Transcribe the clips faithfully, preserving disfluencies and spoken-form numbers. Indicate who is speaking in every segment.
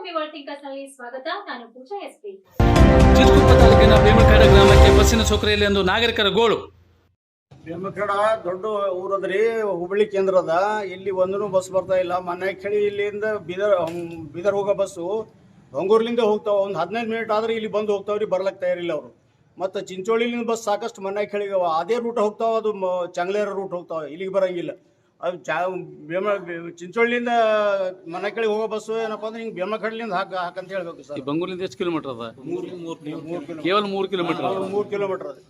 Speaker 1: ಭೂಮಿ world thinkers ನಲ್ಲಿ ಸ್ವಾಗತ. ನಾನು ಪೂಜಾ ಎಸ್ಪಿ.
Speaker 2: ಚಿತ್ರದುರ್ಗ ತಾಲೂಕಿನ ಬೇಮಳಖೇಡ ಗ್ರಾಮಕ್ಕೆ ಬಸ್ಸಿನ ಸೌಕರ್ಯ ಎಂದು ನಾಗರಿಕರ ಗೋಳು.
Speaker 3: ಬೇಮಳಖೇಡ ದೊಡ್ಡ ಊರದ್ರಿ, ಹುಬ್ಬಳ್ಳಿ ಕೇಂದ್ರದ. ಇಲ್ಲಿ ಒಂದೂ ಬಸ್ ಬರ್ತಾ ಇಲ್ಲ. ಮನೆಕೆಳಿ ಇಲ್ಲಿಂದ ಬೀದರ್ ಬೀದರ್ ಹೋಗೋ ಬಸ್ಸು ಬೆಂಗಳೂರಿನಿಂದ ಹೋಗ್ತಾವ. ಒಂದು ಹದಿನೈದು ಮಿನಿಟ್ ಆದ್ರೆ ಇಲ್ಲಿ ಬಂದು ಹೋಗ್ತಾವ್ರಿ, ಬರ್ಲಕ್ಕೆ ತಯಾರಿಲ್ಲ ಅವರು. ಮತ್ತು ಚಿಂಚೋಳಿಲಿಂದ ಬಸ್ ಸಾಕಷ್ಟು ಮನೆಕೆಳಿಗೆ ಅದೇ ರೂಟ್ ಹೋಗ್ತಾವ, ಅದು ಚಂಗ್ಲೇರ ರೂಟ್ ಹೋಗ್ತಾವ, ಇಲ್ಲಿಗೆ ಬರೋಂಗಿಲ್ಲ. ಅದು ಚಾ ಬೇಮ ಚಿಂಚೋಳಿಯಿಂದ ಮನೆಕೆಳಿಗೆ ಹೋಗೋ ಬಸ್ಸು ಏನಪ್ಪ ಅಂದ್ರೆ ಹಿಂಗೆ ಬೇಮಳಖೇಡಲಿಂದ ಹಾಕ ಹಾಕಂತ ಹೇಳ್ಬೇಕು ಸರ್.
Speaker 2: ಬೆಂಗಳೂರಿಂದ ಎಷ್ಟು ಕಿಲೋಮೀಟರ್ ಅದ?
Speaker 3: ಮೂರು ಮೂರು
Speaker 2: ಕೇವಲ ಮೂರು ಕಿಲೋಮೀಟರ್
Speaker 3: ಮೂರು ಕಿಲೋಮೀಟರ್ ಅದ.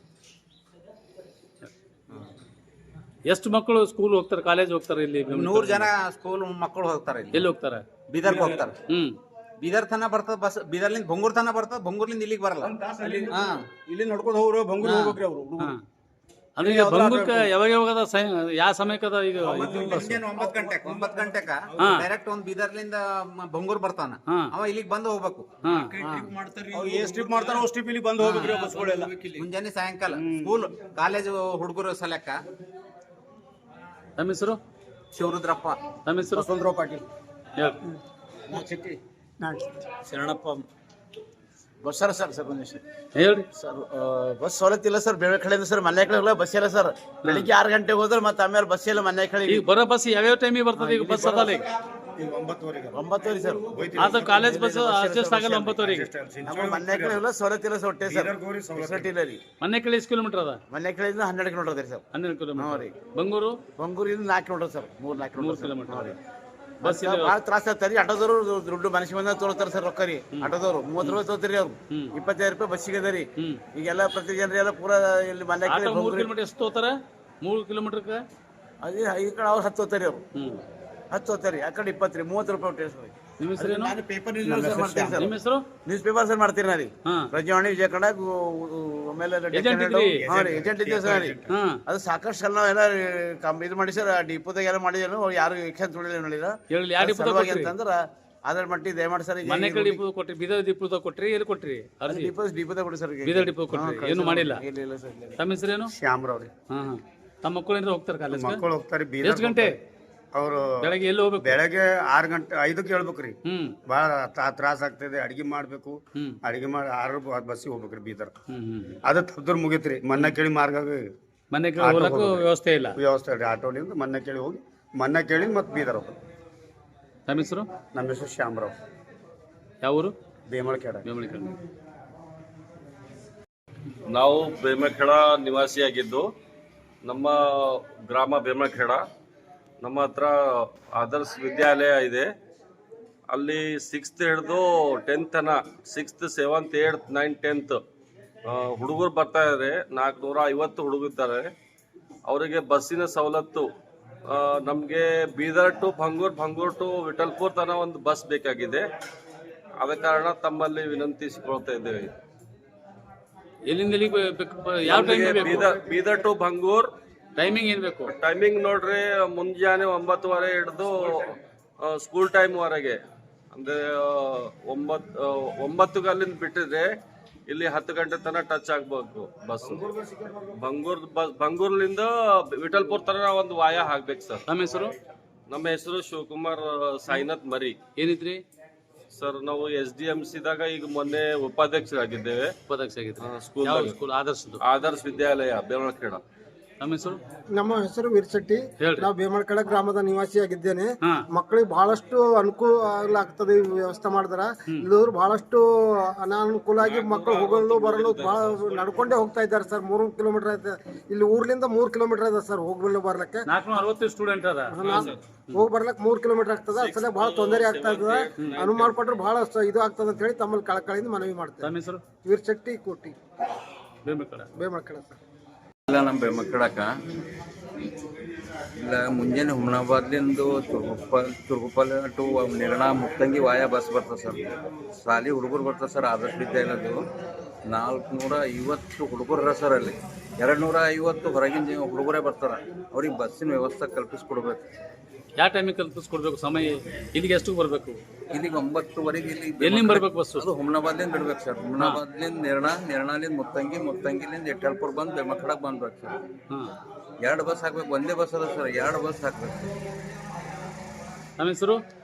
Speaker 2: ಎಷ್ಟು ಮಕ್ಕಳು ಸ್ಕೂಲ್ ಹೋಗ್ತಾರೆ, ಕಾಲೇಜ್ ಹೋಗ್ತಾರೆ? ಇಲ್ಲಿ
Speaker 4: ನೂರು ಜನ ಸ್ಕೂಲ್ ಮಕ್ಕಳು ಹೋಗ್ತಾರೆ.
Speaker 2: ಎಲ್ಲಿ ಹೋಗ್ತಾರೆ?
Speaker 4: ಬೀದರ್ಗೆ ಹೋಗ್ತಾರೆ.
Speaker 2: ಹ್ಮ್
Speaker 4: ಬೀದರ್ ತನ ಬರ್ತದ ಬಸ್, ಬೀದರ್ಲಿಂದ ಬಂಗೂರ್ ತನ ಬರ್ತದ, ಬಂಗೂರ್ಲಿಂದ ಇಲ್ಲಿಗೆ ಬರಲ್ಲ.
Speaker 3: ಇಲ್ಲಿ ನಡ್ಕೊಂಡು ಹೋಗ್ರು ಬಂಗೂರು ಹೋಗ್ಬೇಕ್ರಿ ಅವರು.
Speaker 2: ಅಂದ್ರೆ ಈಗ ಬಂಗೂರ್ಕ ಯಾವಾಗ ಯಾವಾಗದ ಯಾವ ಸಮಯಕ್ಕದ? ಈಗ
Speaker 4: ಮುಂಜಾನೆ ಒಂಬತ್ತು ಗಂಟೆಗೆ ಒಂಬತ್ತು ಗಂಟೆಗ ಡೈರೆಕ್ಟ್ ಒಂದ್ ಬೀದರ್ಲಿಂದ ಬಂಗೂರ್ ಬರ್ತಾನ, ಅವ ಇಲ್ಲಿಗೆ ಬಂದು ಹೋಗ್ಬೇಕು.
Speaker 3: ಏ ಸ್ಟ್ರಿಪ್ ಮಾಡ್ತಾರ ಅವ್ ಸ್ಟ್ರಿಪ್ ಇಲ್ಲಿ ಬಂದು ಹೋಗ್ಬೇಕ್ರಿ ಬಸ್ಗಳೆಲ್ಲ.
Speaker 4: ಮುಂಜಾನೆ ಸಾಯಂಕಾಲ ಸ್ಕೂಲ್ ಕಾಲೇಜು ಹುಡುಗರು ಸಲಕ್ಕ.
Speaker 2: ತಮ್ಮ ಹೆಸರು?
Speaker 4: ಶಿವರುದ್ರಪ್ಪ.
Speaker 2: ತಮ್ಮ ಹೆಸರು?
Speaker 3: Vasantrao Patil.
Speaker 5: Sharanappa. Bus sir sir sir
Speaker 2: ಹೇಳ್ರಿ
Speaker 5: ಸರ್. ಬಸ್ ಸವಲತ್ತು ಇಲ್ಲ ಸರ್. ಬೇಮಳಖೇಡಿಂದ ಸರ್ ಮನೆ ಕಡೆ ಹೋಗಲ್ಲ, ಬಸ್ ಇಲ್ಲ ಸರ್. ಬೆಳಿಗ್ಗೆ ಆರು ಗಂಟೆಗೆ ಹೋದ್ರೆ ಮತ್ತೆ ಆಮೇಲೆ ಬಸ್ ಇಲ್ಲ ಮನೆ ಕಡೆ.
Speaker 2: ಈಗ ಬರೋ ಬಸ್ ಯಾವ್ಯಾವ ಟೈಮಿಗೆ ಬರ್ತದೆ? ಈಗ ಬಸ್ ಅದಲ್ಲ ಈಗ
Speaker 5: ಒಂಬತ್ತುವರೆ ಸರ್.
Speaker 2: ಅದು ಕಾಲೇಜ್ ಬಸ್ ಅಡ್ಜಸ್ಟ್ ಆಗಲ್ಲ ಒಂಬತ್ತುವರೆಗೆ.
Speaker 5: ನಮ್ಮ ಮನೆ ಕಡೆ ಹೋಗಲ್ಲ, ಸವಲತ್ತು ಇಲ್ಲ ಸರ್. ಹೊಟ್ಟೆ ಸರ್ ಫೆಸಿಲಿಟಿ ಇಲ್ಲ ರೀ.
Speaker 2: ಮನೆ ಕಡೆ ಎಷ್ಟು ಕಿಲೋಮೀಟರ್ ಅದ?
Speaker 5: ಮನೆ ಕಡೆಯಿಂದ ಹನ್ನೆರಡು ಕಿಲೋಮೀಟರ್ ಅದ ಸರ್.
Speaker 2: ಹನ್ನೆರಡು
Speaker 5: ಹ್ಞೂ
Speaker 2: ಕಿಲೋಮೀಟರ್
Speaker 5: ರೀ.
Speaker 2: ಬಂಗೂರು
Speaker 5: ಬಂಗೂರಿಂದ ನಾಲ್ಕು ಕಿಲೋಮೀಟರ್ ಸರ್. ಮೂರು ನಾಲ್ಕು
Speaker 2: ಮೂರು
Speaker 5: ಕಿಲೋಮೀಟರ್
Speaker 2: ಕಿಲೋಮೀಟರ್.
Speaker 5: ಬಸ್ ಭಾಳ ತ್ರಾಸ ಆಗ್ತಾರೆ. ಆಟೋದವರು ದುಡ್ಡು ಮನಸ್ಸಿಗೆ ಬಂದ ತೋರ್ತಾರೆ ಸರ್ ರೊಕ್ಕ ರೀ. ಆಟೋದವರು ಮೂವತ್ತು ರೂಪಾಯಿ ತೋತಿರಿ ಅವ್ರು. ಇಪ್ಪತ್ತೈದು ರೂಪಾಯಿ ಬಸ್ಸಿಗೆ ಅದ ರೀ. ಈಗೆಲ್ಲ ಪ್ರತಿ ಜನರಿ ಎಲ್ಲ ಪೂರಾ ಇಲ್ಲಿ ಮನೆ ಕಡೆ
Speaker 2: ಮೂರು ಕಿಲೋಮೀಟರ್ ಎಷ್ಟು ತೋತಾರ? ಮೂರು ಕಿಲೋಮೀಟರ್ಗೆ
Speaker 5: ಅದೇ ಈ ಕಡೆ ಅವ್ರು ಹತ್ತು ಹೋಗ್ತಾರೆ ಅವರು. ಹತ್ತು ಹೋಗ್ತಾರೆ ಆ ಕಡೆ ಇಪ್ಪತ್ತು ರೀ. ಮೂವತ್ತು ರೂಪಾಯಿ ಹೊಟ್ಟೆ.
Speaker 2: ನಿಮ್ಮ ಹೆಸರೇನು?
Speaker 5: ಪೇಪರ್ ನ್ಯೂಸ್ ಮಾಡ್ತೀನಿ ಸರ್.
Speaker 2: ನಿಮ್ಮ ಹೆಸರು?
Speaker 5: ನ್ಯೂಸ್ ಪೇಪರ್ ಸರ್ ಮಾಡ್ತೀನಿ ನಾ ರೀ. ಪ್ರಜಾವಾಣಿ, ವಿಜಯ ಕನ್ನಡ, ಆಮೇಲೆ ಏಜೆಂಟ್ ಇದ್ದೇವೆ ಸರ್ ರೀ. ಅದು ಸಾಕಷ್ಟು ಎಲ್ಲ ನಾವೆಲ್ಲ ಇದು ಮಾಡಿ ಸರ್. ಡಿಪೋದಾಗ ಎಲ್ಲ ಮಾಡಿದೇನು ಯಾರು ಎಕ್ಷನ್ ತೊಳಿಲ್ಲ ನೋಡಿಲ್ಲ ಅಂತಂದ್ರೆ ಅದ್ರ ಮಟ್ಟಿ ದಯಮಾಡಿ ಸರ್.
Speaker 2: ಮನೆ ಕಡೆ ಡಿಪೋ ಕೊಟ್ರಿ, ಬೀದರ್ ಡಿಪೋದಾಗ ಕೊಟ್ರಿ, ಎಲ್ಲಿ ಕೊಟ್ರಿ?
Speaker 5: ಡಿಪೋ ಡಿಪೋದಾಗ ಕೊಡಿ ಸರ್.
Speaker 2: ಬೀದರ್ ಡಿಪೋ ಕೊಟ್ರಿ, ಏನು ಮಾಡಿಲ್ಲ.
Speaker 5: ಇಲ್ಲ ಸರ್.
Speaker 2: ತಮ್ಮ ಹೆಸರೇನು?
Speaker 3: ಶ್ಯಾಮರಾವ್ ರೀ.
Speaker 2: ಹಾ ಹಾ ತಮ್ಮ ಮಕ್ಕಳು ಏನಾರ ಹೋಗ್ತಾರೆ ಕಾಲೇಜ್?
Speaker 3: ಮಕ್ಕಳು ಹೋಗ್ತಾರೆ.
Speaker 2: ಎಷ್ಟು ಗಂಟೆ?
Speaker 3: ಅವರು
Speaker 2: ಬೆಳಗ್ಗೆ ಎಲ್ಲಿ ಹೋಗ್ಬೇಕು?
Speaker 3: ಬೆಳಗ್ಗೆ ಆರು ಗಂಟೆ ಐದಕ್ಕೆ ಹೇಳ್ಬೇಕ್ರಿ.
Speaker 2: ಹ್ಮ್
Speaker 3: ಭಾಳ ತ್ರಾಸ ಆಗ್ತದೆ. ಅಡಿಗೆ ಮಾಡ್ಬೇಕು. ಅಡಿಗೆ ಮಾಡಿ ಆರು ಬಸ್ಸಿಗೆ ಹೋಗ್ಬೇಕ್ರಿ ಬೀದರ್. ಅದು ತಪ್ಪಿದ್ರೆ ಮುಗೀತ್ರಿ. ಮನ್ನ ಕೇಳಿ ಮಾರ್ಗ
Speaker 2: ಮನೆ ಹೋಗಕ್ಕೂ ವ್ಯವಸ್ಥೆ ಇಲ್ಲ.
Speaker 3: ವ್ಯವಸ್ಥೆ ರೀ. ಆಟೋಲಿಂದ ಮನ್ನ ಕೇಳಿ ಹೋಗಿ ಮನ್ನ ಕೇಳಿ ಮತ್ತೆ ಬೀದರ್ ಹೋಗ್ಬೇಕು.
Speaker 2: ತಮ್ಮ ಹೆಸರು?
Speaker 3: ನಮ್ಮ ಹೆಸರು ಶ್ಯಾಮರಾವ್.
Speaker 2: ಯಾವ ಊರು?
Speaker 3: ಬೇಮಳಖೇಡ.
Speaker 2: ಬೇಮಳಖೇಡ.
Speaker 6: ನಾವು ಬೇಮಳಖೇಡ ನಿವಾಸಿಯಾಗಿದ್ದು, ನಮ್ಮ ಗ್ರಾಮ ಬೇಮಳಖೇಡ. ನಮ್ಮ ಹತ್ರ ಆದರ್ಶ್ ವಿದ್ಯಾಲಯ ಇದೆ. ಅಲ್ಲಿ ಸಿಕ್ಸ್ತ್ ಹಿಡಿದು ಟೆಂತ್ ತನ, sixth seventh eighth ninth tenth ಹುಡುಗರು ಬರ್ತಾ ಇದ್ದಾರೆ. ನಾಲ್ಕುನೂರ ಐವತ್ತು ಹುಡುಗಿದ್ದಾರೆ. ಅವರಿಗೆ ಬಸ್ಸಿನ ಸವಲತ್ತು ನಮಗೆ ಬೀದರ್ ಟು ಭಂಗೂರ್, ಭಂಗೂರ್ ಟು ವಿಠಲ್ಪುರ್ ತನಕ ಒಂದು ಬಸ್ ಬೇಕಾಗಿದೆ. ಆದ ಕಾರಣ ತಮ್ಮಲ್ಲಿ ವಿನಂತಿಸಿಕೊಳ್ತಾ ಇದ್ದೇವೆ.
Speaker 2: ಎಲ್ಲಿಂದ ಯಾವ
Speaker 6: ಬೀದರ್ ಬೀದರ್ ಟು ಭಂಗೂರ್
Speaker 2: ಟೈಮಿಂಗ್ ಏನ್ ಬೇಕು?
Speaker 6: ಟೈಮಿಂಗ್ ನೋಡ್ರಿ, ಮುಂಜಾನೆ ಒಂಬತ್ತುವರೆ ಹಿಡಿದು ಸ್ಕೂಲ್ ಟೈಮ್ ವರೆಗೆ, ಅಂದ್ರೆ ಒಂಬತ್ತು ಒಂಬತ್ತು ಅಲ್ಲಿಂದ ಬಿಟ್ಟಿದ್ರೆ ಇಲ್ಲಿ ಹತ್ತು ಗಂಟೆ ತನಕ ಟಚ್ ಆಗ್ಬೇಕು ಬಸ್. ಬಂಗೂರ್ ಬಸ್ ಬಂಗೂರ್ಲಿಂದ ವಿಠಲ್ಪುರ್ ತನಕ ಒಂದು ವಾಯ ಹಾಕ್ಬೇಕು ಸರ್.
Speaker 2: ನಮ್ಮ ಹೆಸರು?
Speaker 6: ನಮ್ಮ ಹೆಸರು ಶಿವಕುಮಾರ್ ಸಾಯಿನಾಥ್ ಮರಿ.
Speaker 2: ಏನಿದ್ರಿ
Speaker 6: ಸರ್? ನಾವು ಎಸ್ ಡಿ ಎಂ ಸಿದಾಗ ಈಗ ಮೊನ್ನೆ ಉಪಾಧ್ಯಕ್ಷರಾಗಿದ್ದೇವೆ.
Speaker 2: ಉಪಾಧ್ಯಕ್ಷ ಆಗಿದ್ರಿ?
Speaker 6: ಸ್ಕೂಲ್
Speaker 2: ಸ್ಕೂಲ್ ಆದರ್ಶದ್ದು?
Speaker 6: ಆದರ್ಶ್ ವಿದ್ಯಾಲಯ ಬೇಮಳಖೇಡ.
Speaker 2: ನಮ್ಮ ಹೆಸರು?
Speaker 7: ನಮ್ಮ ಹೆಸರು ವೀರಶೆಟ್ಟಿ. ನಾವು ಬೇಮಳಖೇಡ ಗ್ರಾಮದ ನಿವಾಸಿಯಾಗಿದ್ದೇನೆ. ಮಕ್ಕಳಿಗೆ ಬಹಳಷ್ಟು ಅನುಕೂಲ ಆಗ್ತದೆ ಈ ವ್ಯವಸ್ಥೆ ಮಾಡಿದ್ರ. ಇಲ್ಲದ್ರು ಬಹಳಷ್ಟು ಅನಾನುಕೂಲ ಆಗಿ ಮಕ್ಕಳು ಹೋಗಲು ಬರಲು ಬಹಳ ನಡ್ಕೊಂಡೇ ಹೋಗ್ತಾ ಇದ್ದಾರೆ ಸರ್. ಮೂರು ಕಿಲೋಮೀಟರ್ ಐತೆ ಇಲ್ಲಿ ಊರ್ಲಿಂದ ಮೂರ್ ಕಿಲೋಮೀಟರ್ ಇದೆ ಸರ್ ಹೋಗ್ಬಲ್ಲ ಬರ್ಲಿಕ್ಕೆ.
Speaker 2: ಅರವತ್ತು ಸ್ಟೂಡೆಂಟ್ ಅದ.
Speaker 7: ಹೋಗಿ ಬರ್ಲಕ್ ಮೂರ್ ಕಿಲೋಮೀಟರ್ ಆಗ್ತದ. ಅಸಲ ಬಹಳ ತೊಂದರೆ ಆಗ್ತಾ ಇರ್ತದ. ಅನುವು ಮಾಡ್ಕೊಟ್ರೆ ಬಹಳ ಇದು ಆಗ್ತದ ಅಂತ ಹೇಳಿ ತಮ್ಮಲ್ಲಿ ಕಳಕಳಿಯಿಂದ ಮನವಿ ಮಾಡ್ತೇವೆ.
Speaker 2: ನಮ್ಮ ಹೆಸರು?
Speaker 7: ವೀರಶೆಟ್ಟಿ ಕೋಟಿ,
Speaker 2: ಬೇಮಳಖೇಡ.
Speaker 7: ಬೇಮಳಖೇಡ ಸರ್.
Speaker 8: ಇಲ್ಲ ನಮ್ಮ ಬೇಮಳಖೇಡಕ್ಕ ಇಲ್ಲ ಮುಂಜಾನೆ ಹುಮನಾಬಾದ್ಲಿಂದ ತುರ್ಗುಪ್ಪಲ್ ತುರ್ಗುಪ್ಪಲ್ ಟು ನಿರ್ಣಾ ಮುಕ್ತಂಗಿ ವಾಯ ಬಸ್ ಬರ್ತದೆ ಸರ್. ಶಾಲಿ ಹುಡುಗರು ಬರ್ತದೆ ಸರ್. ಆದರ್ಶ ವಿದ್ಯಾಲಯದು ನಾಲ್ಕುನೂರ ಐವತ್ತು ಹುಡುಗರ ಸರ್. ಅಲ್ಲಿ ಎರಡು ನೂರ ಐವತ್ತು ಹೊರಗಿನ ಹುಡುಗರೇ ಬರ್ತಾರೆ. ಅವ್ರಿಗೆ ಬಸ್ಸಿನ ವ್ಯವಸ್ಥೆ ಕಲ್ಪಿಸ್ಕೊಡ್ಬೇಕು.
Speaker 2: ಯಾವ ಟೈಮಿಗೆ ಕಲ್ಪಿಸ್ಕೊಡ್ಬೇಕು? ಸಮಯ ಇಲ್ಲಿಗೆ ಎಷ್ಟು ಬರಬೇಕು?
Speaker 8: ಇಲ್ಲಿಗೆ ಒಂಬತ್ತುವರೆಗೆ ಇಲ್ಲಿ
Speaker 2: ಎಲ್ಲಿಂದ ಬರ್ಬೇಕು ಬಸ್ಸು?
Speaker 8: ಅದು ಹುಮನಾಬಾದ್ಲಿಂದ ಬಿಡ್ಬೇಕು ಸರ್. ಹುಮನಾಬಾದ್ಲಿಂದ ನಿರ್ಣಾ, ನಿರ್ಣಾಲಿಂದ ಮುತ್ತಂಗಿ, ಮುತ್ತಂಗಿಲಿಂದ ವಿಠಲ್ಪುರ್ ಬಂದು ಬೇಮಳಖೇಡಕ್ಕೆ ಬಂದ್ಬೇಕು ಸರ್. ಎರಡು ಬಸ್ ಹಾಕ್ಬೇಕು. ಒಂದೇ ಬಸ್ ಅದ ಸರ್. ಎರಡು ಬಸ್ ಹಾಕ್ಬೇಕು.
Speaker 2: ನಮ್ಮ ಹೆಸರು?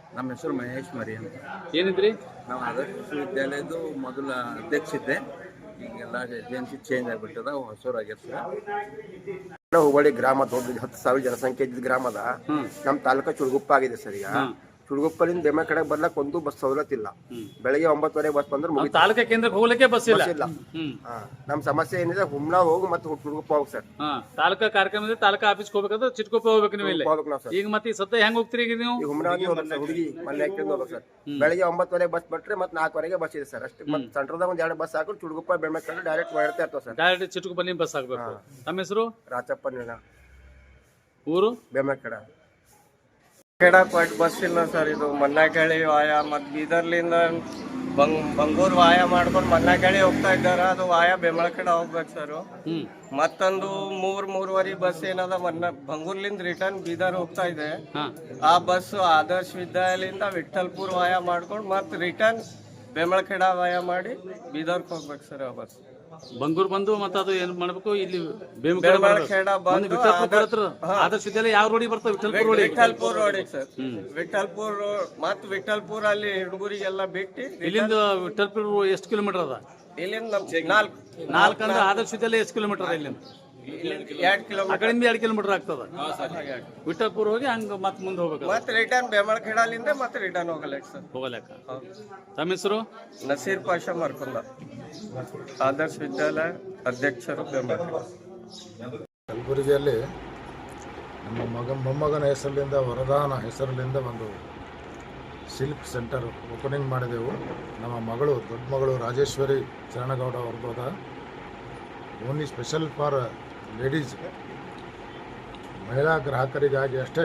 Speaker 8: ನಮ್ಮ ಹೆಸರು ಮಹೇಶ್ ಮರಿ ಅಂತ.
Speaker 2: ಏನಿದ್ರಿ?
Speaker 8: ನಾವು ಆದರ್ಶ ವಿಶ್ವವಿದ್ಯಾಲಯದ್ದು ಮೊದಲ ಅಧ್ಯಕ್ಷ ಇದ್ದೆ. ಈಗೆಲ್ಲ ಏಜೆನ್ಸಿ ಚೇಂಜ್ ಆಗಿಬಿಟ್ಟದ, ಹೊಸೂರಾಗ್ಯದ ಸರ್.
Speaker 9: ಹುಬ್ಬಳ್ಳಿ ಗ್ರಾಮ ದೊಡ್ಡ ಹತ್ತು ಸಾವಿರ ಜನಸಂಖ್ಯೆ ಇದ್ದ ಗ್ರಾಮದ ನಮ್ಮ ತಾಲೂಕು ಚುಡುಗುಪ್ಪ ಆಗಿದೆ ಸರ್. ಈಗ ಚುಡುಗುಪ್ಪಲಿಂದ ಬೆಮ್ಮ ಕಡೆ ಬರ್ಲಕ್ ಒಂದು ಬಸ್ ಸವಲತ್ತು ಇಲ್ಲ. ಬೆಳಗ್ಗೆ ಒಂಬತ್ತುವರೆ ಬಸ್ ಬಂದ್ರೆ ಮುಗಿತು.
Speaker 2: ತಾಲೂಕಾ ಕೇಂದ್ರಕ್ಕೆ ಹೋಗ್ಲಿಕ್ಕೆ ಬಸ್ ಇಲ್ಲ.
Speaker 9: ನಮ್ಮ ಸಮಸ್ಯೆ ಏನಿದೆ ಹುಮ್ನಾ ಹೋಗಿ ಮತ್ತೆ ಚುಡುಗುಪ್ಪ ಹೋಗಿ ಸರ್.
Speaker 2: ತಾಲೂಕಾ ಕಾರ್ಯಕ್ರಮ ತಾಲೂಕಾ ಆಫೀಸ್ಗೆ ಹೋಗ್ಬೇಕಾದ್ರೆ ಚಿಟ್ಕೊಪ್ಪ ಹೋಗ್ಬೇಕು ನೀವು ಇಲ್ಲಿ. ಈಗ ಮತ್ತೆ ಸದ್ಯ ಹೆಂಗ್ ಹೋಗ್ತೀರಿ ಈಗ ನೀವು?
Speaker 9: ಹುಮ್ನಾ ಹುಡುಗಿ ಮನೆ ಹೋಗ್ಬೇಕು ಸರ್. ಬೆಳಗ್ಗೆ ಒಂಬತ್ತುವರೆ ಬಸ್ ಬಿಟ್ರೆ ಮತ್ತೆ ನಾಲ್ಕುವರೆಗೆ ಬಸ್ ಇದೆ ಸರ್ ಅಷ್ಟೇ. ಮತ್ತೆ ಸೆಂಟ್ರದಾಗ ಒಂದ್ ಎರಡು ಬಸ್ ಹಾಕೊಂಡು ಚುಡುಗುಪ್ಪ ಬೆಮ್ಮ ಕಡೆ ಡೈರೆಕ್ಟ್ ಮಾಡ್ತಾ ಇರ್ತಾವ ಸರ್.
Speaker 2: ಡೈರೆಕ್ಟ್ ಚಿಟ್ಕೊಪ್ಪ ಬಸ್ ಆಗ್ಬೇಕು. ತಮ್ಮ ಹೆಸರು?
Speaker 9: ರಾಚಪ್ಪ ನೀಳ.
Speaker 2: ಊರು?
Speaker 9: ಬೆಮ್ಮ ಕಡ.
Speaker 10: ಕೆಡಪಟ್ ಬಸ್ ಇಲ್ಲ ಸರ್. ಇದು ಮನ್ನಾಕಳಿ ವಾಯ ಮತ್ತು ಬೀದರ್ಲಿಂದ ಬಂಗ್ ಬಂಗೂರ್ ವಾಯ ಮಾಡ್ಕೊಂಡು ಮನ್ನಾಕಳಿ ಹೋಗ್ತಾ ಇದ್ದಾರೆ. ಅದು ವಾಯ ಬೆಮಳಕಡ ಹೋಗ್ಬೇಕು ಸರ್. ಮತ್ತೊಂದು ಮೂರ್ ಮೂರುವರೆ ಬಸ್ ಏನದ ಮನ್ನ ಬಂಗೂರ್ಲಿಂದ ರಿಟರ್ನ್ ಬೀದರ್ ಹೋಗ್ತಾ ಇದೆ. ಆ ಬಸ್ ಆದರ್ಶ ವಿದ್ಯಾಲಯದಿಂದ ವಿಠಲ್ಪುರ್ ವಾಯ ಮಾಡ್ಕೊಂಡು ಮತ್ತೆ ರಿಟರ್ನ್ ಬೆಮಳಕಡ ವಾಯ ಮಾಡಿ ಬೀದರ್ಗೆ ಹೋಗ್ಬೇಕು ಸರ್. ಆ ಬಸ್
Speaker 2: ಬಂಗೂರ್ ಬಂದು ಮತ್ತೆ ಅದು ಏನ್ ಮಾಡ್ಬೇಕು ಇಲ್ಲಿ
Speaker 10: ಬೆಮಳಖೇಡ ಬಂದು
Speaker 2: ಆದರ್ಶ ವಿದ್ಯಾಲಯ ಯಾವ ರೋಡಿಗೆ ಬರ್ತದೆ? ವಿಠಲ್ಪುರ್ ರೋಡ್.
Speaker 10: ವಿಠಲ್ಪುರ್ ರೋಡಿಗೆ ಸರ್. ವಿಠಲ್ಪುರ್ ಮತ್ ವಿಠಲ್ಪುರ್ ಅಲ್ಲಿ ಹುಡುಗರಿಗೆಲ್ಲ ಬಿಟ್ಟು
Speaker 2: ಇಲ್ಲಿಂದ ವಿಠಲ್ಪುರ್ ಎಷ್ಟು ಕಿಲೋಮೀಟರ್ ಅದ?
Speaker 10: ಇಲ್ಲಿಂದ ನಾಲ್ಕು
Speaker 2: ನಾಲ್ಕು ಅಂದ್ರೆ ಆದರ್ಶ ವಿದ್ಯಾಲಯ ಎಷ್ಟು ಕಿಲೋಮೀಟರ್ ಅದ? ಇಲ್ಲಿಂದ
Speaker 10: ಎರಡ್ ಕಿಲೋಮೀಟರ್.
Speaker 2: ಆ ಕಡೆಯಿಂದ ಎರಡು ಕಿಲೋಮೀಟರ್ ಆಗ್ತದ. ವಿಠಲ್ಪುರ್ ಹೋಗಿ ಹಂಗ ಮತ್ತೆ ಮುಂದೆ ಹೋಗ್ಬೇಕು.
Speaker 10: ಮತ್ತೆ ರಿಟರ್ನ್ ಬೆಮಳಖೇಡಲಿಂದ ಮತ್ತೆ ರಿಟರ್ನ್ ಹೋಗಲ್ಲ ಸರ್.
Speaker 2: ಹೋಗಲೆಕ್ಕ. ತಮ್ಮ ಹೆಸರು?
Speaker 10: ನಸೀರ್ ಪಾಷಾ ಮರ್ಕುಂದ, ಆದರ್ಶ ವಿದ್ಯಾಲಯ ಅಧ್ಯಕ್ಷರು ಬೆಮಳಖೇಡ.
Speaker 7: ಕಲಬುರಗಿಯಲ್ಲಿ ನಮ್ಮ ಮಗ ಮೊಮ್ಮಗನ ಹೆಸರಿನಿಂದ ವರದಾನ ಹೆಸರಿನಿಂದ ಒಂದು ಸಿಲ್ಕ್ ಸೆಂಟರ್ ಓಪನಿಂಗ್ ಮಾಡಿದೆವು. ನಮ್ಮ ಮಗಳು ದೊಡ್ಡ ಮಗಳು ರಾಜೇಶ್ವರಿ ಚರಣಗೌಡ ಅವ್ರದ್ದು ಅದ. ಓನ್ಲಿ ಸ್ಪೆಷಲ್ ಫಾರ್ ಲೇಡೀಸ್, ಮಹಿಳಾ ಗ್ರಾಹಕರಿಗಾಗಿ ಅಷ್ಟೇ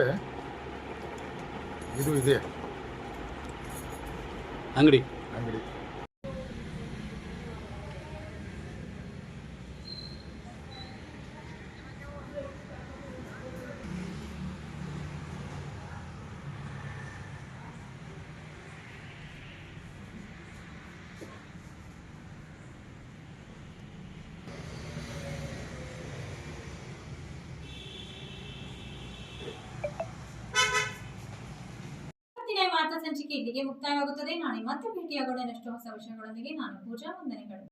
Speaker 7: ಇದು ಇದೆ
Speaker 2: ಅಂಗಡಿ.
Speaker 7: ಅಂಗಡಿ
Speaker 1: ವಾರ್ತಾ ಸಂಚಿಕೆ ಇಲ್ಲಿಗೆ ಮುಕ್ತಾಯವಾಗುತ್ತದೆ. ನಾಳೆ ಮತ್ತೆ ಭೇಟಿಯಾಗೋಣ ಇನ್ನಷ್ಟು ಹೊಸ ವಿಷಯಗಳೊಂದಿಗೆ. ನಾನು ಪೂಜಾ, ವಂದನೆಗಳು.